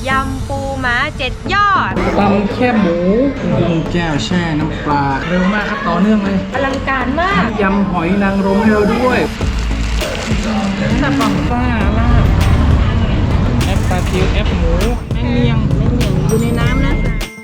ยำปูม้า7 ยอดตำแค่หมูกุ้งแก้วแช่น้ำปลาเร็วมากครับต่อเนื่องเลยอลังการมากยำหอยนางรมให้เราด้วยน้ำปลาซ่าลาบแอปปลาทิวแอปหมูแมงเนียงอยู่ในน้ำนะ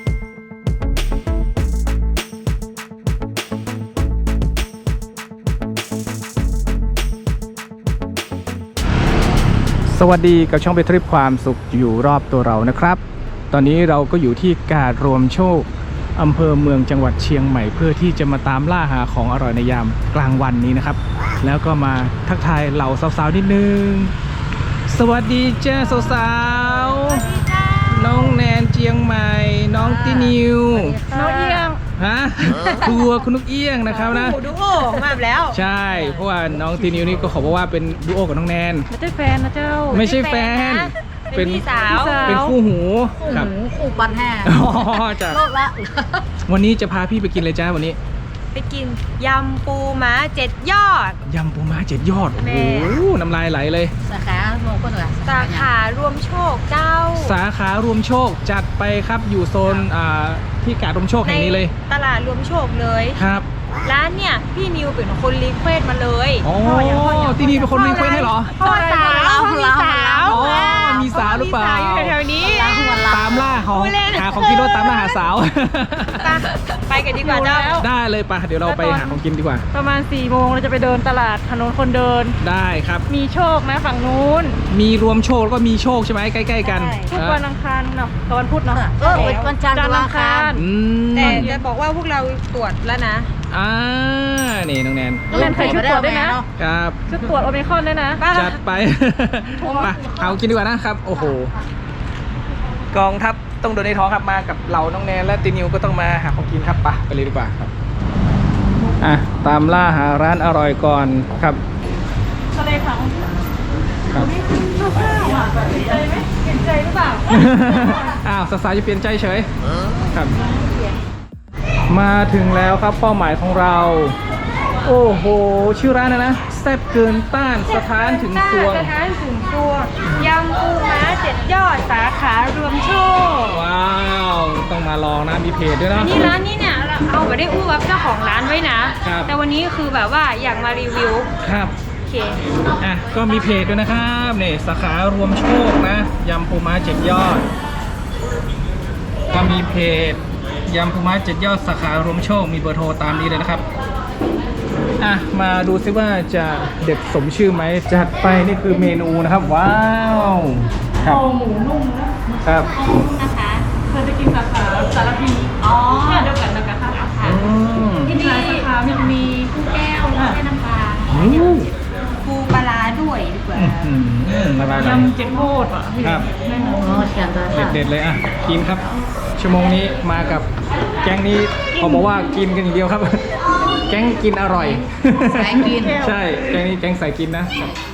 สวัสดีกับช่องไปทริปความสุขอยู่รอบตัวเรานะครับตอนนี้เราก็อยู่ที่กาดรวมโชคอำเภอเมืองจังหวัดเชียงใหม่เพื่อที่จะมาตามล่าหาของอร่อยในยามกลางวันนี้นะครับแล้วก็มาทักทายเหล่าสาวๆนิดนึงสวัสดีจ้าสาวๆน้องแนนเชียงใหม่น้องตินิวน้องเอียงฮะตัวคุณนุกเอี้ยงนะครับนะดูโอมาแล้วใช่เพราะว่าน้องตินิวนี่ก็ขอบอกว่าเป็นดูโอกับน้องแนนไม่ใช่แฟนนะเจ้าไม่ใช่แฟนเป็นพี่สาวเป็นคู่หูครับคู่ปันแห่จ้ะวันนี้จะพาพี่ไปกินเลยจ้าวันนี้ไปกินยำปูม้า7 ยอดยำปูม้า7 ยอดโอ้โหน้ำลายไหลเลยสาขาโมก็เหรอสาขารวมโชคเจ้าสาขารวมโชคจัดไปครับอยู่โซนที่กาดรวมโชคแห่งนี้เลยตลาดรวมโชคเลยครับร้านเนี่ยพี่นิวเป็นคนรีเควสมาเลยอ๋อที่นี่เป็นคนรีเควสให้เหรอพ่อสาวมีสาวมีสาวหรือเปล่าอยู่แถวนี้ตามล่าของหาของกินรถตามล่าหาสาวไปกันดีกว่าเจ้าได้เลยป่ะเดี๋ยวเราไปหาของกินดีกว่าประมาณ4 โมงเราจะไปเดินตลาดถนนคนเดินได้ครับมีโชคนะฝั่งนู้นมีรวมโชคแล้วก็มีโชคใช่ไหมใกล้ๆกันทุกวันอังคารเนาะวันพุธเนาะวันจันทร์วันอังคารแต่จะบอกว่าพวกเราตรวจแล้วนะนี่น้องแนนใส่ชุดตรวจด้วยนะครับชุดตรวจโอมิครอนด้วยนะจัดไปมาเอากินดีกว่านะครับโอ้โหกองทัพต้องโดนในท้องครับมากับเหล่าน้องแนนและตินิวก็ต้องมาหาของกินครับไปเลยดีกว่าครับตามล่าหาร้านอร่อยก่อนครับทะเลผังครับเปลี่ยนใจไหมเปลี่ยนใจหรือเปล่าสาวๆจะเปลี่ยนใจเฉยครับมาถึงแล้วครับเป้าหมายของเราโอ้โหชื่อร้านนะแซ่บเกินต้านสถานถึงซวงยำปูม้า7 ยอดสาขารวมโชคว้าวต้องมาลองนะมีเพจด้วยนะนี่ร้านนี้เนี่ยเราเอาไปได้อู้กับเจ้าของร้านไว้นะแต่วันนี้คือแบบว่าอยากมารีวิวครับโอเคก็มีเพจด้วยนะครับนี่สาขารวมโชคนะยำปูม้า7 ยอดก็มีเพจยำปูม้า7 ยอดสาขารวมโชคมีเบอร์โทรตามนี้เลยนะครับมาดูซิว่าจะเด็ดสมชื่อไหมจัดไปนี่คือเมนูนะครับว้าวคอหมูนุ่มครับนะคะเธอจะกินสาขาสารพีเดียวกันนะคะที่นี่สาขามีกุ้งแก้วและน้ำปลาปูปลาด้วยดีกว่ายำ7 โคตรครับเด็ดเลยกินครับชั่วโมงนี้มากับแก๊งนี้เขาบอกว่ากินกันอย่างเดียวครับแก๊งกินอร่อยสายกินใช่แก๊งนี้แก๊งสายกินนะ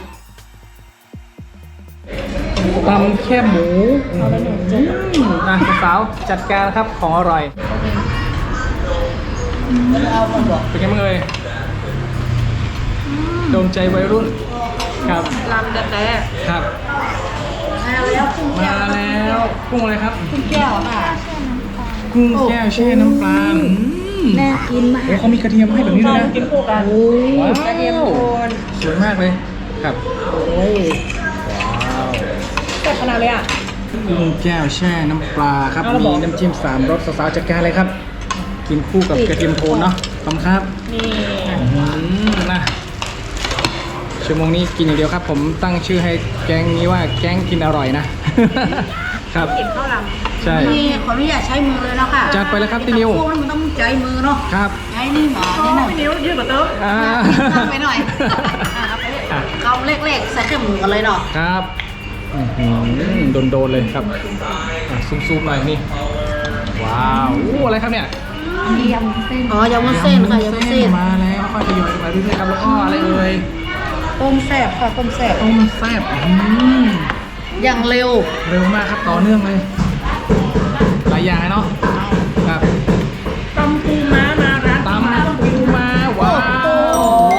ตำแค่หมูสาวจัดการครับของอร่อยเป็นไงบ้างเอ่ยโดนใจวัยรุ่นครับลำแต่ครับมาแล้วกุ้งอะไรครับกุ้งแก้วค่ะกุ้งแก้วแช่น้ำปลาน่ากินมากเขามีกระเทียมให้แบบนี้ด้วยนะกินคู่กันกระเทียมโคนสวยมากเลยครับว้าวแต่ขนาดเลยกุ้งแก้วแช่น้ำปลาครับมีน้ำจิ้ม3 รสสาวๆจัดการเลยครับกินคู่กับกระเทียมโทนเนาะขอบคุณครับนี่นะชั่วโมงนี้กินอย่างเดียวครับผมตั้งชื่อให้แก๊งนี้ว่าแก๊งกินอร่อยนะครับกินข้าวลำใช่นี่ขออนุญาตใช้มือเลยแล้วค่ะจัดไปแล้วครับตินิวพวกมันต้องใช้มือเนาะครับใช้นี่หมอเนี่ยนะนิ้วยืดกว่าเติมไปหน่อยเอาเล็กๆใส่เครื่องหมูกันเลยเนาะครับโดนเลยครับซูมๆหน่อยนี่ว้าวอะไรครับเนี่ยยำเส้นยำเส้นค่ะยำเส้นมาแล้วค่อยทยอยมาเรื่อยๆครับแล้วก็อะไรเอ่ยต้มแซ่บค่ะต้มแซ่บอย่างเร็วมากครับต่อเนื่องเลยหลายอย่างเนาะครับตำปูม้ามาร้านตำปูม้าว้าว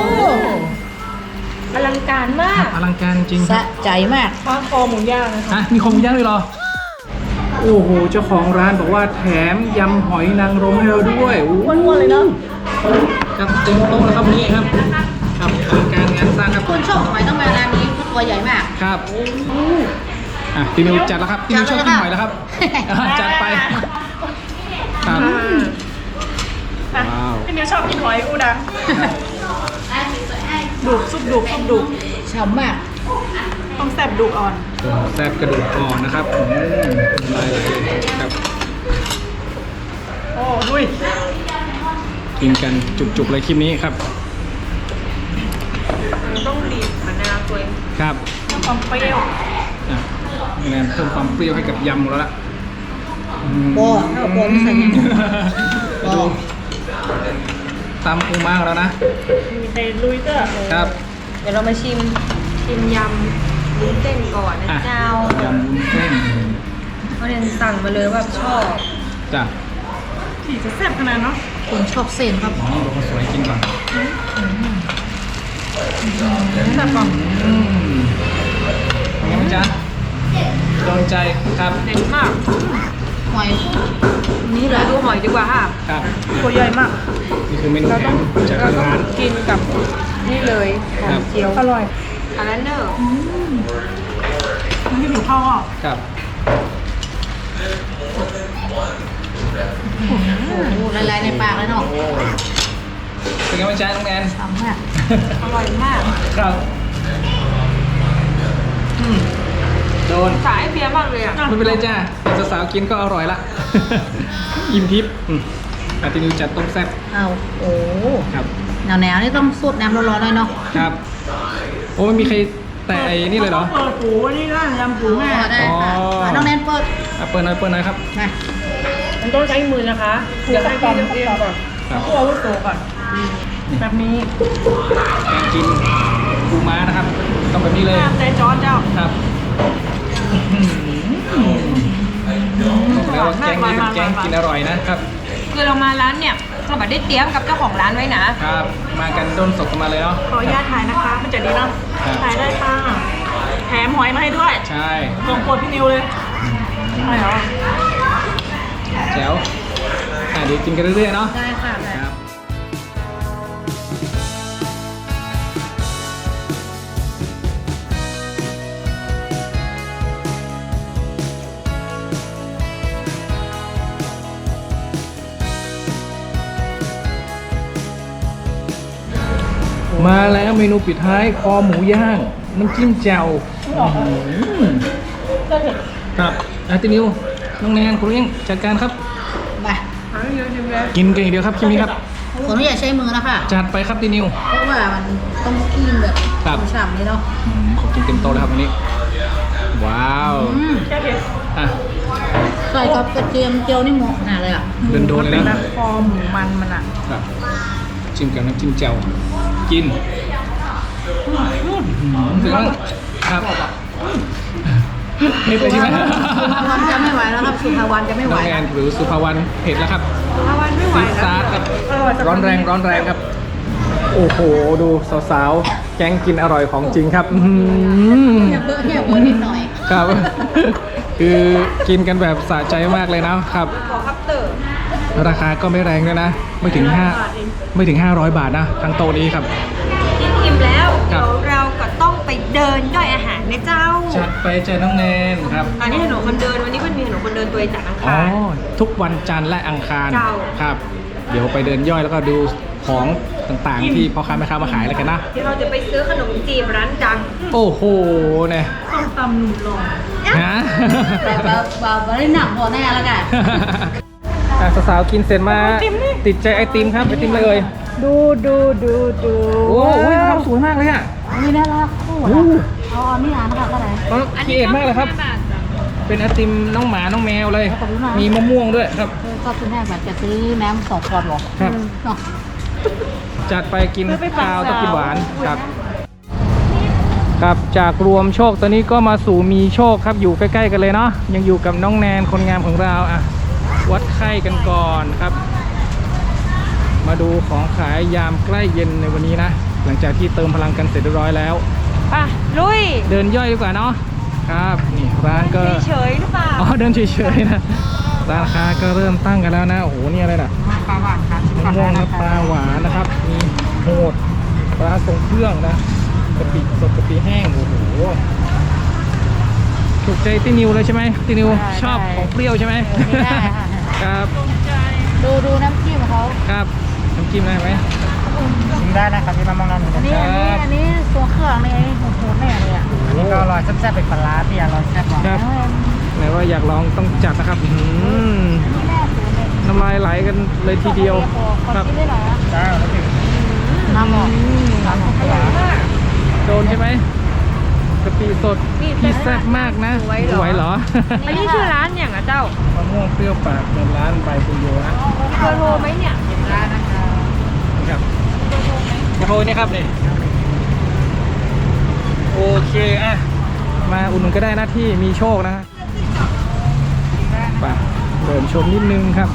อลังการมากอลังการจริงสะใจมากคอหมูย่างนะคะมีคอหมูย่างด้วยเหรอโอ้โหเจ้าของร้านบอกว่าแถมยำหอยนางรมให้เราด้วยอ้วนๆเลยเนาะครับเต็มโต๊ะแล้วครับวันนี้ครับครับทำการงานสร้างครับคนชอบหอยต้องมาร้านนี้เพราะตัวใหญ่มากครับอ่ะพี่นิวจัดแล้วครับพี่นิวชอบกินหอยแล้วครับจัดไปครับว้าวพี่นิวชอบกินหอยอูดังดุกซุปดุกซุปดุกฉ่ำมากต้องแซ่บดุกอ่อนแซ่บกระดูกอ่อนนะครับลายเลยครับโอ้ดุยกินกันจุกๆเลยคลิปนี้ครับต้องบีบมะนาวตัวเองครับความเปรี้ยวอ่ะนี่นะเพิ่มความเปรี้ยวให้กับยำแล้วล่ะโบ้เอาโบ้ไม่ใส่ยังโบ้ดูตำปูม้าแล้วนะมีใส่ลุยเตอร์ครับเดี๋ยวเรามาชิมยำวุ้นเส้นก่อนนะอ่ะเจ้ายำวุ้นเส้นเขาเรียนสั่งมาเลยว่าชอบจ้ะผีจะแซ่บขนาดเนาะคนชอบเส้นครับนี่ดูคนสวยกินก่อนแซ่บป่ะเป็นไงบ้างจ๊ะโดนใจครับเด็ดมากหอยนี่เราดูหอยดีกว่าค่ะครับตัวใหญ่มากนี่คือเมนูแถมจากทางร้านกินกับนี่เลยหอมเจียวอร่อยอันนั้นเนอะมันที่หนูเข้าอ่ะครับโอ้โหละลายในปากเลยเนาะโอ้เป็นไงบ้างจ๊ะน้องแอนฉ่ำมากอร่อยมากครับโดนสายเพียมากเลยอ่ะไม่เป็นไรจ้าแต่สาวๆกินก็อร่อยละ อิ่มทิพย์อาทิตย์นี้จัดต้มแซ่บเอาโอ้ครับหนาวๆนี่ต้องสดน้ำร้อนๆหน่อยเนาะครับ โอ้ไม่มีใครแต่ไอ้นี่เลยเหรอเปิดปูนี่ร้านยำปูอ๋แม่อได้ค่ะอ๋ออ่ะน้องแนนเปิดอ่ะเปิดหน่อยเปิดหน่อยครับมามันต้องใช้มือนะคะเดี๋ยวให้พี่เลือกเองก่อนครับผู้อาวุโสก่อนแบบนี้แกงกินปูม้านะครับต้องแบบนี้เลยใจจ้อนเจ้าครับบอกแล้วว่าแกงนี้เป็นแกงกินอร่อยนะครับคือเรามาร้านเนี่ยเราแบบได้เตรียมกับเจ้าของร้านไว้นะครับ มากันด้นสดกันมาเลยเนาะขออนุญาตถ่ายนะคะ มันจะดีเนาะครับถ่ายได้ค่ะแถมหอยมาให้ด้วยใช่ลงโปรดพี่นิวเลยใช่เหรอแจ๋วเดี๋ยวกินกันเรื่อยๆเนาะได้ค่ะได้ครับมาแล้วเมนูปิดท้ายคอหมูย่าง น้ำจิ้มแจ่วครับอาตินิวน้องแนนคุณเลี้ยงจัดการครับมากินกันอย่างเดียวครับคลิปนี้ครับขออนุญาตใช้มือนะคะจัดไปครับตินิวเพราะว่ามันต้องกินแบบครับฉ่ำเลยเนาะขอกินเต็มโต๊ะเลยครับวันนี้ ว้าวแค่เผ็ดอ่ะใส่กับกระเทียมเจียวนี่เหมาะขนาดเลยอ่ะโดนๆเลยนะคอหมูมันอ่ะครับจิ้มกับน้ำจิ้มแจ่วกินถึงแล้วครับเผ็ดเลยใช่ไหมสุภาวันจะไม่ไหวแล้วครับสุภาวันจะไม่ไหวน้องแอนหรือสุภาวรรณเผ็ดแล้วครับถ้าวันไม่ไหวซีแล้วซาร์ครับอร่อยจังร้อนแรงร้อนแรงครับ โอ้โห ดูสาวๆ แกงกินอร่อยของจริงครับอื้อหือเนี่ยเบอร์นิดหน่อยครับ คือกินกันแบบสะใจมากเลยนะครับขอคัพเตอร์ราคาก็ไม่แรงด้วยนะ ไม่ถึง 500 บาทนะทั้งโต๊ะนี้ครับกินอิ่มแล้วครัเดี๋บยวเราก็ต้องไปเดินย่อยอาหารนะเจ้าจัดไปเจอน้องแนนครับอันนี้ถนนคนเดินวันนี้มันมีถนนคนเดินตัวจากอังอ๋อคารทุกวันจันทร์และอังคารเจ้าครับ เดี๋ยวไปเดินย่อยแล้วก็ดูของต่างๆ ที่พ่อค้าแม่ค้ามาขายอะไรกันนะที่เราจะไปซื้อขนมจีบร้านดังโอ้โหเนี่ยส้มตำหนุ่มหล่อฮะแต่แบบได้หนักพอแน่แล้วกันอ่ะสาวๆกินเสร็จมาติดใจไอติมครับไอติมอะไรเอ่ยดูโอ้โหทำสวยมากเลยอ่ะนี่น่ารักคู่โอ้นะเอานี่อ่านนะคะก็ได้ครีเอทมากเลยครับ เป็นไอติมน้องหมาน้องแมวเลยขอบคุณมากมีมะม่วงด้วยครับก็คุณแม่แบบจะซื้อน้ำ2 ขวดหรอครับเนาะจัดไปกินข้าวต้องกินหวานครับ ครับจากรวมโชคตอนนี้ก็มาสู่มีโชคครับอยู่ใกล้ๆกันเลยเนาะยังอยู่กับน้องแนนคนงามของเราอ่ะวัดไข้กันก่อนครับ มาดูของขายยามใกล้เย็นในวันนี้นะ หลังจากที่เติมพลังกันเสร็จเรียบร้อยแล้วป่ะ ลุยเดินย่อยดีกว่าเนาะครับนี่ร้านก็เฉยๆหรือเปล่าอ๋อเดินเฉยๆนะร้านค้าก็เริ่มตั้งกันแล้วนะโอ้โหนี่อะไรนะปลาหวานค่ะมะม่วงน้ำปลาหวานนะครับมีโหดปลาทรงเครื่องนะกะปิสดกะปิแห้งโอ้โหถูกใจตินิวเลยใช่ไหมตินิวชอบของเปรี้ยวใช่ไหมได้ค่ะครับดูน้ำจิ้มเขาครับน้ำจิ้มได้ไหมชิมได้นะครับที่มามองร้านนี้อันนี้ตัวเครื่องนี่โหดแน่เลยอ่ะนี่ก็อร่อยแซ่บๆเป็นปลาร้าที่อร่อยแซ่บกว่าครับไหนว่าอยากลองต้องจัดนะครับน้ำลายไหลกันเลยทีเดียวครับจ้าแล้วถึงน้ำหมดน้ำหมดปลาโดนใช่ไหมกะปิสดพี่แซ่บมากนะไหวเหรออันนี้ชื่อร้านอย่างอ่ะเจ้ามะม่วงเปรี้ยวปากเงินร้านใบปุญโยนะเบอร์โทรไหมเนี่ยได้นะคะครับโทรนี่ครับนี่โอเคอ่ะมาอุ่นนก็ได้นะที่มีโชคนะไปเดินชมนิดนึงครับ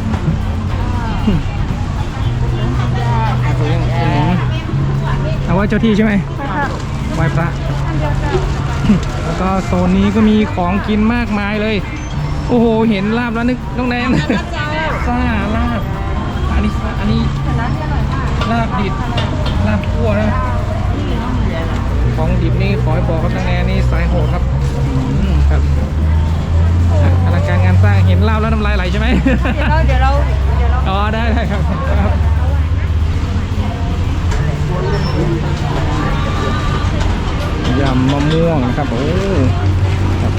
เอาว่าเจ้าที่ใช่ไหมไหว้พระแล้วก็โซนนี้ก็มีของกินมากมายเลยโอ้โหเห็นลาบแล้วนึกน้องแนนซ่าลาบอันนี้ลาบดิบลาบคั่วนะของดิบนี่ขอให้บอกครับน้องแนนนี่สายโหดครับครับอลังการงานสร้างเห็นลาบแล้วน้ำลายไหลใช่ไหมเดี๋ยวเราอ๋อได้ครับครับยำมะม่วงนะครับโอ้ครับ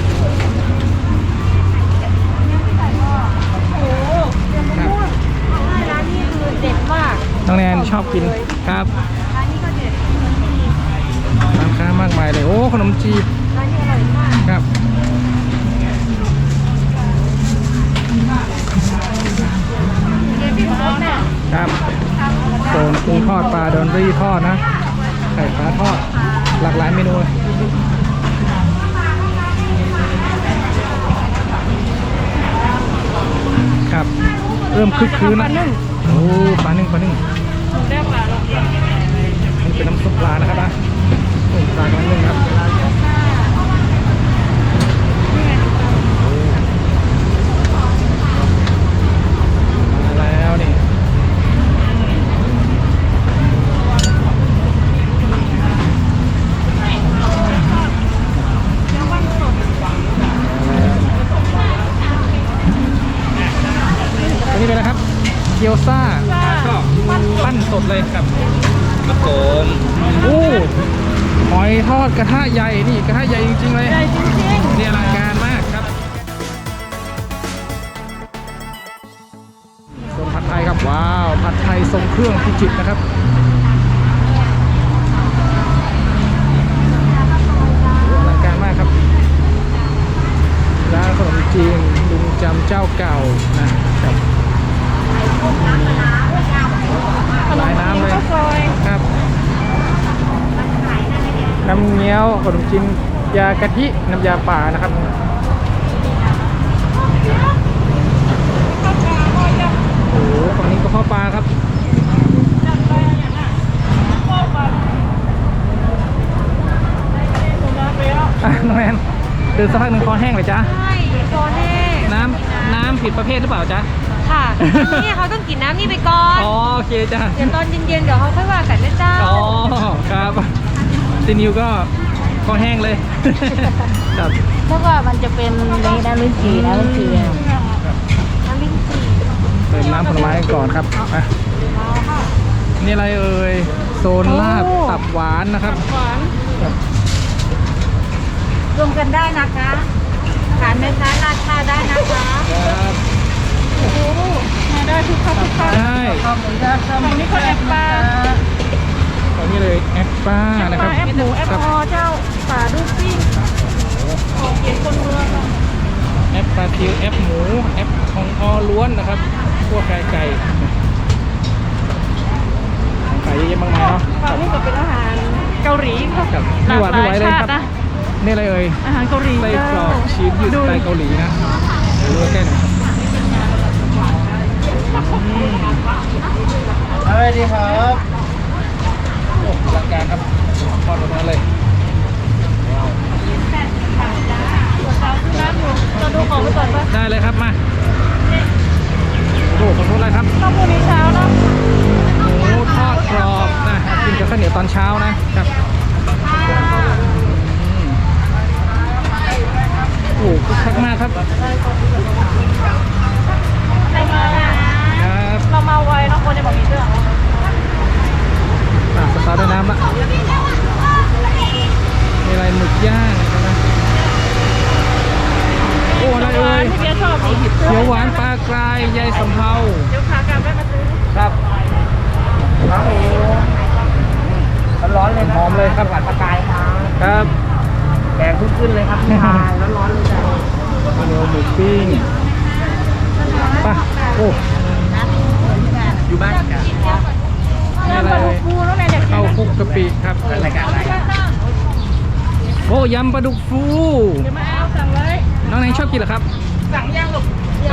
ครับร้านนี้คือเด็ดมากน้องแนนชอบกินครับร้านนี้ก็เด็ดร้านค้ามากมายเลยโอ้ขนมจีบร้านนี้อร่อยมากครับเดี๋ยวพี่โค้ชเนี่ยครับโซนกุ้งทอดปลาดอนรี่ทอดนะไข่ปลาทอดหลากหลายเมนูเลยครับเริ่มคึกคืนนะโอ้ปลานึ่งได้ปลาลงนี่เป็นน้ำซุปปลานะครับนะปลากำลังนึ่งครับมาแล้วนี่อันนี้เป็นอะไรครับเกี๊ยวซ่าก็ปั้นสดเลยครับครับผมโอ้หอยทอดกระทะใหญ่นี่กระทะใหญ่จริงๆเลยใหญ่จริงนี่อลังการมากครับส่วนผัดไทยครับว้าวผัดไทยทรงเครื่องพิจิตรนะครับอลังการมากครับร้านขนมจีนลุงจำเจ้าเก่านะครับลายน้ำเลยครับน้ำเงี้ยวขนมจีนยากะทิน้ำยาป่านะครับโอ้โหฝั่งนี้ก็ข้าวปลาครับน้องแนนเดินสักพักหนึ่งคอแห้งเลยจ้ะใช่คอแห้งน้ำผิดประเภทหรือเปล่าจ๊ะค่ะนี่เขาต้องกินน้ำนี่ไปก่อนอ๋อโอเคจ้ะเดี๋ยวตอนเย็นๆเดี๋ยวเขาค่อยว่ากันนะเจ้าอ๋อครับซีนิวก็คอแห้งเลยครับเพราะว่ามันจะเป็นในน้ำลิ้นจี่นะลิ้นจี่น้ำลิ้นจี่เติมน้ำผลไม้ก่อนครับอ่ะนี่อะไรเอ่ยโซนลาบตับหวานนะครับหวานรวมกันได้นะคะทานไหมคะราคาได้นะคะครับมาได้ทุกข้าวทุกข้าวได้ขอบคุณค่ะฝั่งนี้ก็แอปปลาตอนนี้เลยแอปป้านะครับแอปหมูแอปครับคอเจ้าป่าดูซิ่งออกเกียรคนเมืองแอปปลาทิวแอปหมูแอปของอล้วนนะครับพวกไก่ขายเยอะแยะมากมายเนาะคฝั่รังบนี้ก็เป็นอาหารเกาหลีครับครับไม่หวานไม่ไหวเลยครับหลากหลายชาตินะนี่อะไรเอ่ยอาหารเกาหลีไส้กรอกชีสยืดสไตล์เกาหลีนะดูใกล้หน่อยครับสวัสดีครับโอ้อลังการครับทอดออกมาเลยตัวเจ้าขึ้นได้เราดูของไปก่อนป่ะได้เลยครับมาโอ้โหขอบคุณอะไรครับต้องพรุ่งนี้เช้าเนาะหมูทอดกรอบนะกินกับข้าวเหนียวตอนเช้านะครับโอ้โหคึกคักมากครับครับเรามาไวเนาะคนจะบอกมีเรื่องสตาร์ทด้วยน้ำละมีอะไรหมึกย่างนะโอ้อะไรเอ่ยพี่เบียร์ชอบนี่เขียวหวานปลากรายยายสำเภาเดี๋ยวขากลับได้มาซื้อครับโอ้โหร้อนเลยหอมเลยครับหวานปลากรายครับแกงขึ้นเลยครับพี่ชายร้อนๆเลยจ้ะข้าวเหนียวหมูปิ้งไป่ะโอ้อยู่บ้านกันนี่อะไรเอ่ยฟูแล้วแม่เด็กข้าวคลุกกะปิครับรายการอะไรโอ้ยำปลาดุกฟูเดี๋ยวมาเอาสั่งเลยน้องแนงชอบกินเหรอครับสั่งย่างหลบครับ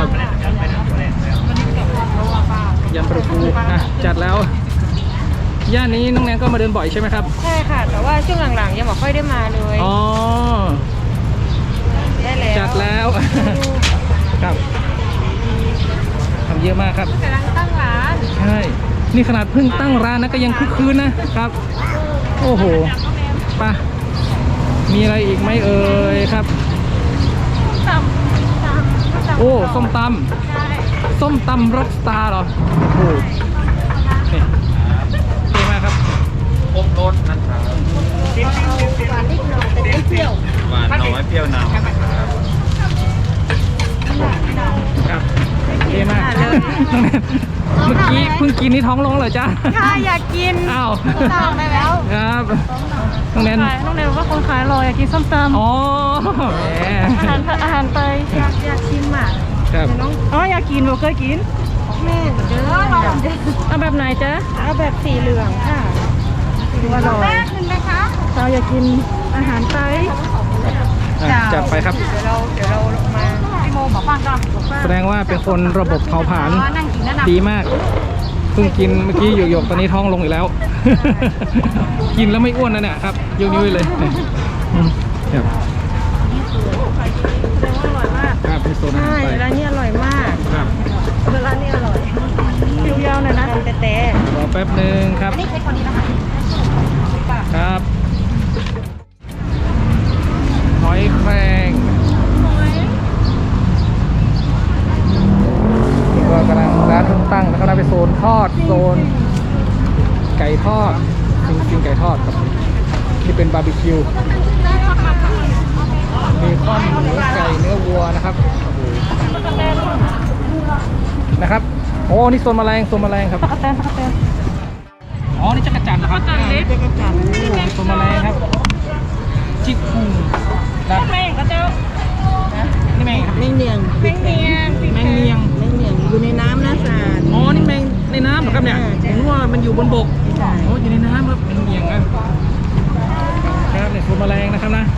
ยำปลาดุกฟูจัดแล้วย่านนี้น้องแนงก็มาเดินบ่อยใช่ไหมครับใช่ค่ะ แต่ว่าช่วงหลังๆยังไม่ค่อยได้มาเลยอ๋อได้แล้วจัดแล้วครับทำเยอะมากครับกำลังตั้งร้านใช่นี่ขนาดเพิ่งตั้งร้านนะก็ยังคึกคืนนะครับ โอ้โหไป่ะมีอะไรอีกไหมเอ่ยครับตำโอ้ส้มตใช่ำส้มตำร็อกสตาร์เหรอโอ้โหนี่เท่มากครับหวานนิดหน่อยแต่ไม่เปรี้ยวหวานน้อยเปรี้ยวนำครับเท่มากน้องแนนเมื่อกี้เพิ่งกินนี่ท้องร้องเหรอจ๊ะค่ะอยากกินอ้าวสั่งได้แล้วครับน้องแนนน้องเนยบอกว่าคนขายรออยากกินส้มตำอ๋อแหมอาหารไปอยากชิมอ่ะครับอ๋ออยากกินบอกเคยกินแม่เด้อเอาแบบไหนจ๊ะเอาแบบสีเหลืองค่ะสีอร่อยแม่กินไหมคะเราอยากกินอาหารไทยจัดไปครับเดี๋ยวเรามาพี่โมบอกฟังก่อนแสดงว่าเป็นคนระบบเผาผลาญนั่งกินนั่นน่ะดีมากเพิ่งกินเมื่อกี้หยกๆตอนนี้ท้องลงอีกแล้ว กินแล้วไม่อ้วนนะเนี่ยครับยกนิ้วให้เลยอืมครับอร่อยมากครับเป็นโซนอาหารใช่ไปร้านนี้อร่อยมากครับร้านนี้อร่อยคิวยาวหน่อยนะแต่รอแป๊บหนึ่งครับนี่ใช้คนนี้นะคะครับหอยแครงนี่ก็กำลังร้านเพิ่งตั้งแล้วก็ได้ไปโซนทอดโซนไก่ทอดซิงไก่ทอดครับที่เป็นบาร์บีคิวมีข้อนหมูไก่เนื้อวัวนะครับโอ้โหนะครับโอ้นี่โซนแมลงครับตะกะแตนอ๋อนี่จักรจันทร์นะครับจักรจันทร์เล็กโซนแมลงครับจิกคุงนะแม่งก็เจ้านี่แมงครับแมงเนียงแม่งเนียงแมงเนียงแมงเนียงอยู่ในน้ำนะสารอ๋อนี่แมงในน้ำเหรอครับเนี่ยใช่ผมว่ามันอยู่บนบกอ๋ออยู่ในน้ำครับแมงเนียงนะครับเนี่ยโซนแมลงนะครับนะ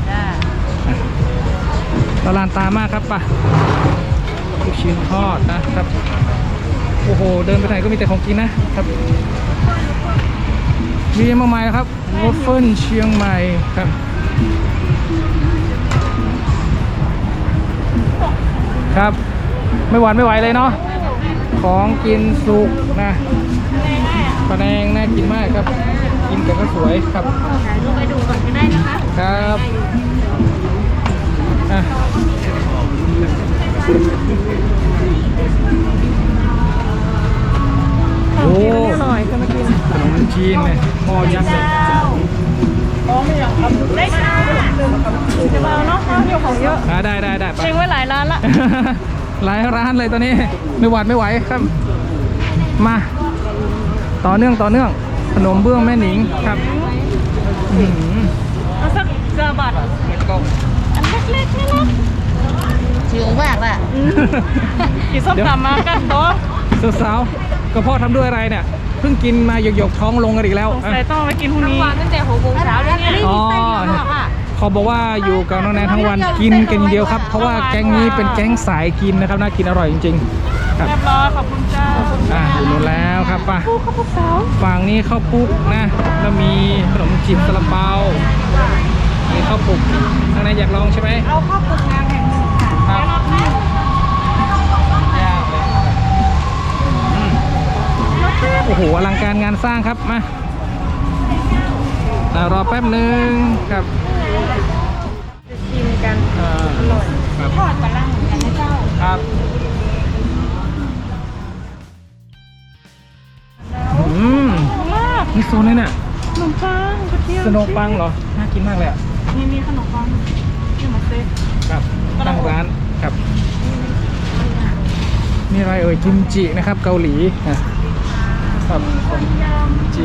ตลาดตามากครับป่ะลูกชิ้นทอดนะครับโอ้โหเดินไปไหนก็มีแต่ของกินนะครับมีเยอะมากมายครับวอฟเฟิลเชียงใหม่ครับครับไม่หวานไม่ไหวเลยเนาะของกินสุกนะปลาแดงน่ากินมากครับกินกับข้าวสวยครับลงไปดูก่อนก็ได้นะคะครับอ่ะโอ้อร่อยก็มากินขนมจีนเนี่ยหม้อยักษ์เลยได้ค่ะจะมาเอาเนาะเที่ยวของเยอะได้ไปเช็งไว้หลายร้านละหลายร้านเลยตอนนี้ไม่หวาดไม่ไหวครับ มาต่อเนื่องขนมเบื้องแม่หนิงครับอื้อหือเอาสักกระบาด อันเล็กๆนี่นะหิวมากอ่ะกินส้มตำมากันโต๊ะสาวๆก็พ่อทำด้วยอะไรเนี่ยเพิ่งกินมาหยกๆท้องลงกันอีกแล้วสงสัยต้องไปกินพรุ่งนี้ตั้งแต่6 โมงเช้าเลยเนี่ยอ๋อเขาบอกว่าอยู่กับน้องแนนทั้งวันกินกันอย่างเดียวครับ เพราะว่าแก๊งนี้เป็นแก๊งสายกินนะครับน่ากินอร่อยจริงๆครับเรียบร้อยขอบคุณเจ้าอยู่นู้นแล้วครับป่ะผู้ข้าวสาวฝั่งนี้ข้าวปุกนะแล้วมีขนมจีบซาลาเปามีข้าวปุกทางในอยากลองใช่ไหมเอาข้าวปุกงานแห่งหนึ่งค่ะครับงานสร้างครับมารอแป๊บหนึ่งครับจะชิมกันอร่อยครับทอดปลาล่างเหมือนกันนะเจ้าครับนี่โซนเลยน่ะขนมปังกระเทียมขนมปังเหรอน่ากินมากเลยอ่ะมีขนมปังที่มาเซ็ตครับตั้งร้านครับนี่อะไรเอ่ยกิมจินะครับเกาหลีนะครับกิมจิ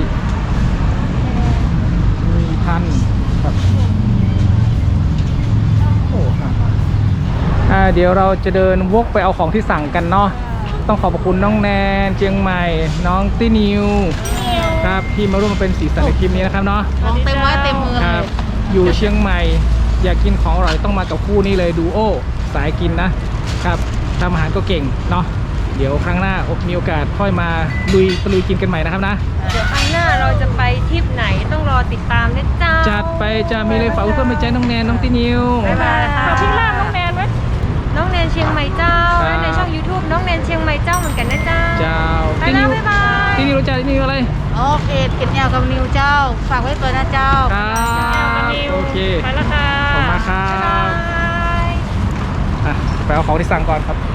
มีพันครับโอ้ครับเดี๋ยวเราจะเดินวกไปเอาของที่สั่งกันเนาะต้องขอบคุณน้องแนนเชียงใหม่น้องตี้นิวครับที่มาร่วมเป็นสีสันในคลิปนี้นะครับเนาะของเต็มไม้เต็มมือครับอยู่เชียงใหม่อยากกินของอร่อยต้องมากับคู่นี้เลยดูโอสายกินนะครับทำอาหารก็เก่งเนาะเดี๋ยวครั้งหน้ามีโอกาสค่อยมาลุยกินกันใหม่นะครับนะเดี๋ยวครั้งหน้าเราจะไปทริปไหนต้องรอติดตามนะเจ้าจัดไปจะมีเลยฝากเพื่อนมาใจน้องแนนน้องตีนิวบ๊ายบายค่ะฝากพี่ล่าน้องแนนไหมน้องแนนเชียงใหม่เจ้าครับและในช่อง YouTube น้องแนนเชียงใหม่เจ้าเหมือนกันนะเจ้าเจ้าไปตีแล้นิววบ๊ายบายตีนิวรู้จักตีนิวอะไรโอเคเก็บแนวกับนิวเจ้า ฝากไว้ก่อนนะเจ้าครับโอเคไปแล้วค่ะขอบคุณมากครับบ๊ายบายไปเอาของที่สั่งก่อนครับ